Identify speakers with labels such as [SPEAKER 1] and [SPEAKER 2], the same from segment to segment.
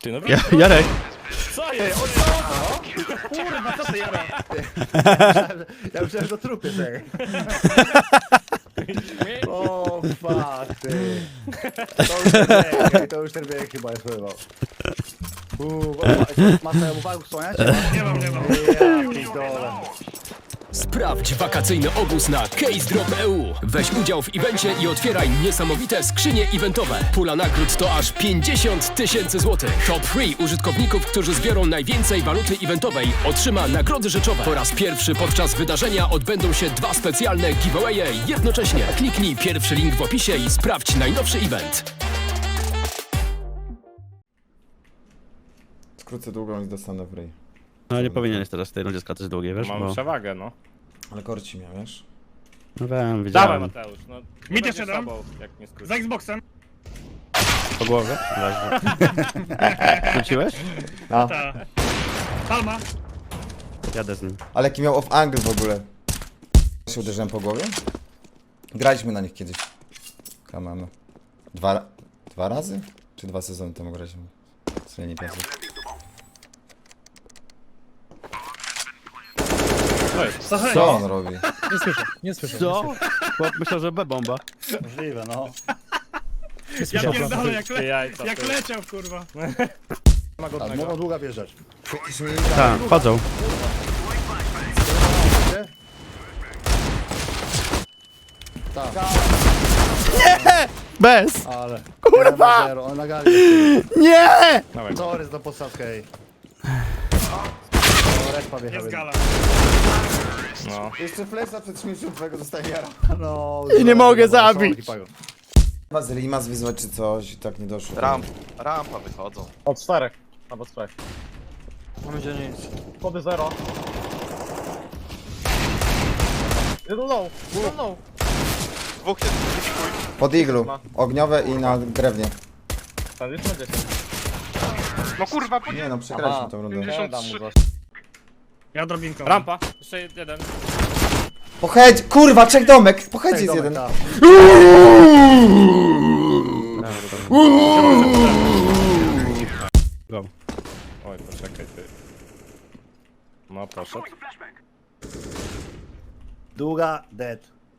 [SPEAKER 1] Ty no
[SPEAKER 2] Jarek.
[SPEAKER 1] co jest?
[SPEAKER 3] Kurwa, co ty Jarek? Ja myślałem, że to trupy tej. O, fuck, ty. To już ten bieg chyba jest pływał. Masz sobie uwagę wspomnieć?
[SPEAKER 4] Nie mam.
[SPEAKER 3] Ja pierdolę.
[SPEAKER 5] Sprawdź wakacyjny obóz na CaseDrop.eu. Weź udział w evencie i otwieraj niesamowite skrzynie eventowe. Pula nagród to aż 50 000 złotych. Top 3 użytkowników, którzy zbiorą najwięcej waluty eventowej, otrzyma nagrody rzeczowe. Po raz pierwszy podczas wydarzenia odbędą się 2 specjalne giveawaye jednocześnie. Kliknij pierwszy link w opisie i sprawdź najnowszy event.
[SPEAKER 6] Skrócę długą i dostanę w ryj.
[SPEAKER 2] No nie powinieneś teraz w tej rundzie skakać długie, wiesz,
[SPEAKER 1] Mam
[SPEAKER 2] bo...
[SPEAKER 1] przewagę, no.
[SPEAKER 6] Ale korci miał, wiesz?
[SPEAKER 2] No wiem,
[SPEAKER 1] Dawaj
[SPEAKER 2] widziałem.
[SPEAKER 1] Mateusz, no.
[SPEAKER 4] Mid
[SPEAKER 1] Będzie
[SPEAKER 4] jeszcze dam.
[SPEAKER 1] sobą, jak nie skrócisz.
[SPEAKER 4] Za Xboxem.
[SPEAKER 2] Po głowie? Leży. Wróciłeś?
[SPEAKER 3] No.
[SPEAKER 4] Ta. Palma.
[SPEAKER 2] Jadę z nim.
[SPEAKER 6] Ale jaki miał off angle w ogóle? Się uderzyłem po głowie? Graliśmy na nich kiedyś. Kamano. Dwa razy? Czy 2 sezony temu graliśmy? Co ja nie pamiętam. Co on robi?
[SPEAKER 3] Nie słyszę.
[SPEAKER 2] Co? Chłop myślał, że B-bomba.
[SPEAKER 3] Możliwe, no.
[SPEAKER 4] Ja pierdolę
[SPEAKER 1] Ty jajca,
[SPEAKER 4] jak
[SPEAKER 1] ty.
[SPEAKER 4] leciał, kurwa.
[SPEAKER 1] Ma
[SPEAKER 3] A
[SPEAKER 1] godnego.
[SPEAKER 3] mogą długa wjeżdżać.
[SPEAKER 2] Tak, wchodzą.
[SPEAKER 3] Tak,
[SPEAKER 2] Bez!
[SPEAKER 3] ale...
[SPEAKER 2] Kurwa!
[SPEAKER 3] On na gali jest.
[SPEAKER 2] Nie!
[SPEAKER 1] Dawaj.
[SPEAKER 3] Sorry za podstawkę, ej. Respa wjechał.
[SPEAKER 4] Jest gala.
[SPEAKER 1] No.
[SPEAKER 6] Jeszcze flesza przed śmiercią twojego dostaje jara.
[SPEAKER 3] No,
[SPEAKER 2] I nie mogę zabić.
[SPEAKER 6] Chyba z Rimas wyzwać czy coś i tak nie doszło.
[SPEAKER 7] Rampa wychodzą.
[SPEAKER 8] Od 4. Albo 3. Mamy gdzie nic. Kody 0. Jeden low. Jeden low.
[SPEAKER 7] Dwóch jest.
[SPEAKER 6] Pod iglu. Ogniowe i na drewnie.
[SPEAKER 8] Tam jest na 10.
[SPEAKER 7] No kurwa, po
[SPEAKER 6] Nie no, przegraliśmy tą rundę.
[SPEAKER 7] 53.
[SPEAKER 4] Ja drobinką.
[SPEAKER 1] Rampa, jeszcze jeden.
[SPEAKER 6] Pochedź! Kurwa, 3 domek! Pochedź jest jeden.
[SPEAKER 2] Go.
[SPEAKER 1] Oj, poczekaj ty. No, poszedł.
[SPEAKER 3] Długa, dead.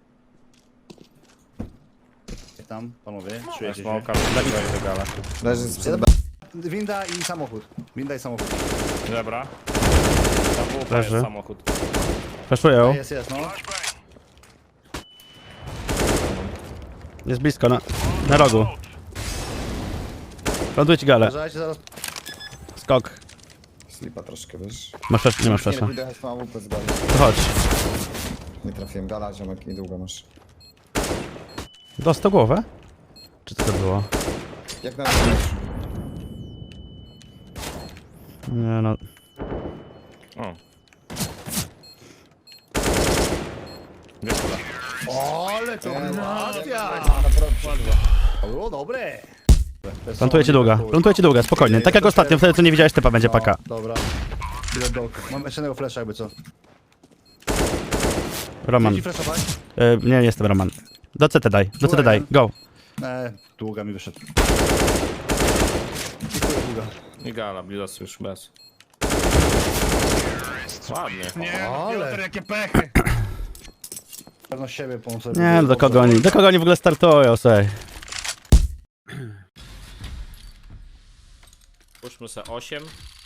[SPEAKER 3] Tam, panowie, czujecie się.
[SPEAKER 1] Smoka, wleciał do gala.
[SPEAKER 6] Leży sprzed B.
[SPEAKER 3] Winda i samochód. Winda i samochód.
[SPEAKER 1] Dobra. Tam był
[SPEAKER 2] Leży.
[SPEAKER 1] samochód.
[SPEAKER 2] Flashują.
[SPEAKER 3] Jest, no.
[SPEAKER 2] Jest blisko, na rogu. Ląduję ci galę.
[SPEAKER 3] Uważajcie zaraz.
[SPEAKER 2] Skok.
[SPEAKER 6] Slipa troszkę, wiesz?
[SPEAKER 2] Masz flash, nie masz
[SPEAKER 6] Nie,
[SPEAKER 2] flasha.
[SPEAKER 6] pójdę jechać tą AWP z gali.
[SPEAKER 2] To chodź.
[SPEAKER 6] Nie trafiłem. Gala, ziomek, niedługo masz.
[SPEAKER 2] Dostał głowę? Czy co to było?
[SPEAKER 6] Jak na razie.
[SPEAKER 2] Nie no.
[SPEAKER 1] O. Wiesz co?
[SPEAKER 3] Ale to nacja! To było dobre.
[SPEAKER 2] Plantuję ci długa, spokojnie. Tak jak ostatnio, wtedy co nie widziałeś typa będzie paka.
[SPEAKER 3] Dobra. Idę do oka. Mam jeszcze jednego flasha jakby co.
[SPEAKER 2] Roman.
[SPEAKER 3] Chcecie flashować?
[SPEAKER 2] Nie jestem Roman. Do CT daj, go.
[SPEAKER 3] Długa mi wyszedł. Długa.
[SPEAKER 1] I gala, Blidos już bez. Ładnie.
[SPEAKER 4] Nie,
[SPEAKER 3] Ale.
[SPEAKER 4] Piotr, jakie pechy.
[SPEAKER 3] Pewno siebie pomóc.
[SPEAKER 2] Nie no, do kogo oni w ogóle startują, słuchaj.
[SPEAKER 1] Puszczmy se 8.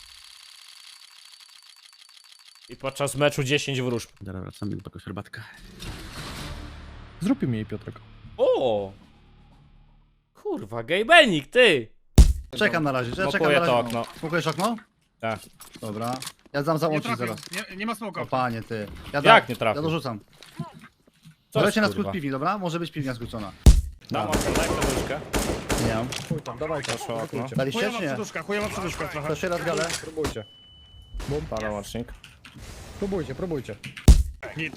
[SPEAKER 1] I podczas meczu 10 wróżb.
[SPEAKER 2] Dobra, wracamy do jakąś herbatkę.
[SPEAKER 8] Zrób mi jej Piotrek.
[SPEAKER 1] O! Kurwa, gejbenik, ty!
[SPEAKER 3] Czekam na razie, czekam
[SPEAKER 1] Smokuję
[SPEAKER 3] na razie.
[SPEAKER 1] to okno.
[SPEAKER 3] Smokujesz okno?
[SPEAKER 1] Tak.
[SPEAKER 3] Dobra. Ja dam
[SPEAKER 4] Nie
[SPEAKER 3] załączyć
[SPEAKER 4] trafił.
[SPEAKER 3] zaraz.
[SPEAKER 4] Nie ma smoka.
[SPEAKER 3] O panie ty. Ja
[SPEAKER 1] Jak nie trafił?
[SPEAKER 3] Ja dorzucam.
[SPEAKER 1] Co
[SPEAKER 3] Lecie na
[SPEAKER 1] jest,
[SPEAKER 3] skrót
[SPEAKER 1] kurwa?
[SPEAKER 3] piwni, dobra? Może być piwnia skrócona.
[SPEAKER 1] Dam okno, daj poduszkę.
[SPEAKER 3] Nie mam.
[SPEAKER 1] Poszło okno.
[SPEAKER 3] Daliście czy
[SPEAKER 4] Chujowa
[SPEAKER 3] nie?
[SPEAKER 4] przeduszka, chujowa przeduszka trochę.
[SPEAKER 3] To jeszcze raz galę.
[SPEAKER 8] Próbujcie.
[SPEAKER 1] Pana łącznik.
[SPEAKER 8] Próbujcie.
[SPEAKER 4] Git.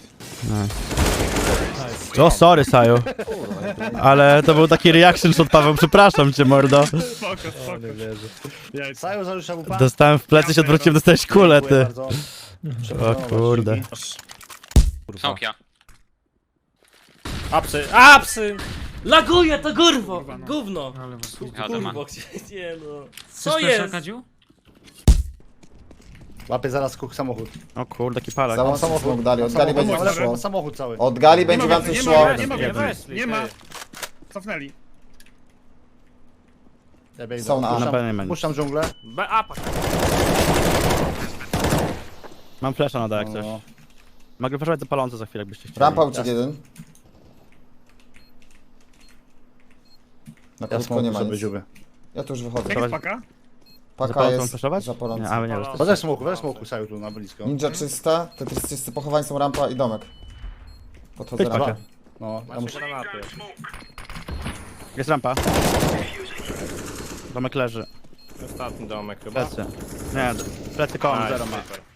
[SPEAKER 2] O, sorry, Saju. Ale to był taki reaction shot, Paweł, przepraszam cię, mordo.
[SPEAKER 4] Spoko, spoko. Jajca.
[SPEAKER 3] Sajo zarzuca łupa.
[SPEAKER 2] Dostałem w plecy, się odwróciłem, dostałeś kulę,
[SPEAKER 3] Dziękuję
[SPEAKER 2] ty.
[SPEAKER 3] bardzo.
[SPEAKER 2] O
[SPEAKER 3] Przepraszam,
[SPEAKER 2] kurde.
[SPEAKER 3] dzięki.
[SPEAKER 1] Apsy, apsy!
[SPEAKER 9] Laguje to górwo!
[SPEAKER 4] Kurwa, no.
[SPEAKER 9] Gówno!
[SPEAKER 4] Ale was
[SPEAKER 9] Kurwo, gdzie nie no. Co jest?
[SPEAKER 3] Łapię zaraz kuch samochód.
[SPEAKER 2] O kurde, jaki palak.
[SPEAKER 6] Za mocno smok dali, od gali będzie
[SPEAKER 3] Ale
[SPEAKER 6] szło.
[SPEAKER 3] samochód cały.
[SPEAKER 6] Od gali będzie
[SPEAKER 4] ma,
[SPEAKER 6] więcej
[SPEAKER 4] nie
[SPEAKER 6] szło.
[SPEAKER 4] ma, nie ma,
[SPEAKER 2] Jeden.
[SPEAKER 4] nie ma. Cofnęli.
[SPEAKER 3] Ja biegnę.
[SPEAKER 6] Są na A.
[SPEAKER 2] Na B nie będzie.
[SPEAKER 3] Puszczam dżunglę.
[SPEAKER 9] B, a, pak.
[SPEAKER 2] Mam flasha na D jak coś.
[SPEAKER 3] No.
[SPEAKER 2] Mogę wyżać zapalące za chwilę, jakbyście chcieli.
[SPEAKER 6] Rampa uciekł jeden. Na
[SPEAKER 3] Ja
[SPEAKER 6] krótko nie
[SPEAKER 3] smoku
[SPEAKER 6] ma
[SPEAKER 3] sobie
[SPEAKER 6] nic.
[SPEAKER 3] dziubię.
[SPEAKER 6] Ja tu już wychodzę.
[SPEAKER 4] Jak jest paka?
[SPEAKER 6] Paka
[SPEAKER 2] Zapalącą mam
[SPEAKER 6] jest
[SPEAKER 2] flashować?
[SPEAKER 6] zapaląca.
[SPEAKER 2] Nie, ale nie, już
[SPEAKER 3] Weź smoku Saju tu na blisko.
[SPEAKER 6] Ninja czysta, Tetris czysty, pochowań są rampa i domek. Podchodzę
[SPEAKER 2] Chodź,
[SPEAKER 6] rampę.
[SPEAKER 2] pakę.
[SPEAKER 3] No, ja muszę...
[SPEAKER 1] Granaty.
[SPEAKER 2] Jest rampa. Domek leży.
[SPEAKER 1] Ostatni domek chyba.
[SPEAKER 2] Plecy. Nie, plecy koło,
[SPEAKER 1] A,
[SPEAKER 2] zero ma.
[SPEAKER 1] super.